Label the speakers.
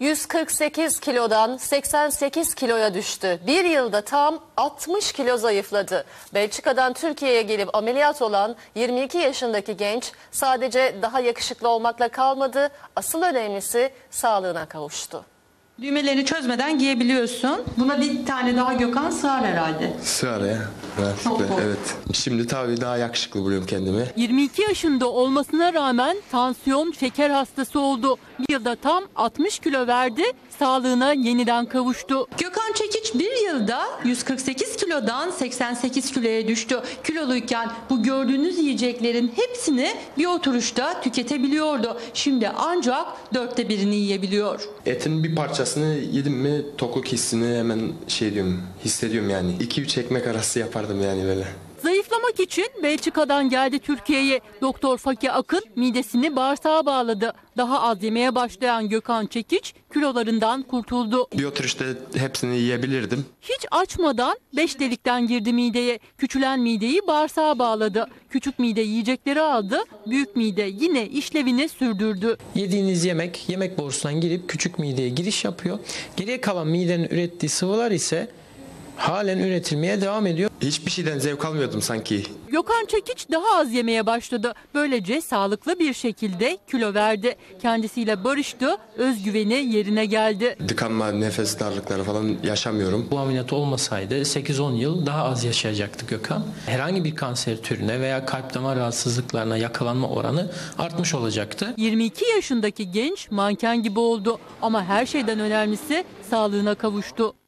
Speaker 1: 148 kilodan 88 kiloya düştü. Bir yılda tam 60 kilo zayıfladı. Belçika'dan Türkiye'ye gelip ameliyat olan 22 yaşındaki genç sadece daha yakışıklı olmakla kalmadı. Asıl önemlisi sağlığına kavuştu.
Speaker 2: Düğmelerini çözmeden giyebiliyorsun. Buna bir tane daha Gökhan sığar herhalde.
Speaker 3: Sığar ya. Evet. Şimdi tabii daha yakışıklı buluyorum kendimi.
Speaker 4: 22 yaşında olmasına rağmen tansiyon, şeker hastası oldu. Bir yılda tam 60 kilo verdi, sağlığına yeniden kavuştu.
Speaker 2: Gökhan Çekiç bir yılda 148 kilodan 88 kiloya düştü. Kiloluyken bu gördüğünüz yiyeceklerin hepsini bir oturuşta tüketebiliyordu. Şimdi ancak 1/4'ünü yiyebiliyor.
Speaker 3: Etin bir parçasını yedim mi tokluk hissini hemen hissediyorum yani. 2-3 ekmek arası yapardım yani böyle.
Speaker 4: Zayıflamak için Belçika'dan geldi Türkiye'ye. Doktor Fakir Akın midesini bağırsağa bağladı. Daha az yemeye başlayan Gökhan Çekiç kilolarından kurtuldu.
Speaker 3: Bir oturuşta hepsini yiyebilirdim.
Speaker 4: Hiç açmadan 5 delikten girdi mideye. Küçülen mideyi bağırsağa bağladı. Küçük mide yiyecekleri aldı. Büyük mide yine işlevini sürdürdü.
Speaker 5: Yediğiniz yemek borusundan girip küçük mideye giriş yapıyor. Geriye kalan midenin ürettiği sıvılar ise halen üretilmeye devam ediyor.
Speaker 3: Hiçbir şeyden zevk almıyordum sanki.
Speaker 4: Gökhan Çekiç daha az yemeye başladı. Böylece sağlıklı bir şekilde kilo verdi. Kendisiyle barıştı, özgüveni yerine geldi.
Speaker 3: Tıkanma, nefes darlıkları falan yaşamıyorum.
Speaker 5: Bu ameliyat olmasaydı 8-10 yıl daha az yaşayacaktı Gökhan. Herhangi bir kanser türüne veya kalp damar rahatsızlıklarına yakalanma oranı artmış olacaktı.
Speaker 4: 22 yaşındaki genç manken gibi oldu ama her şeyden önemlisi sağlığına kavuştu.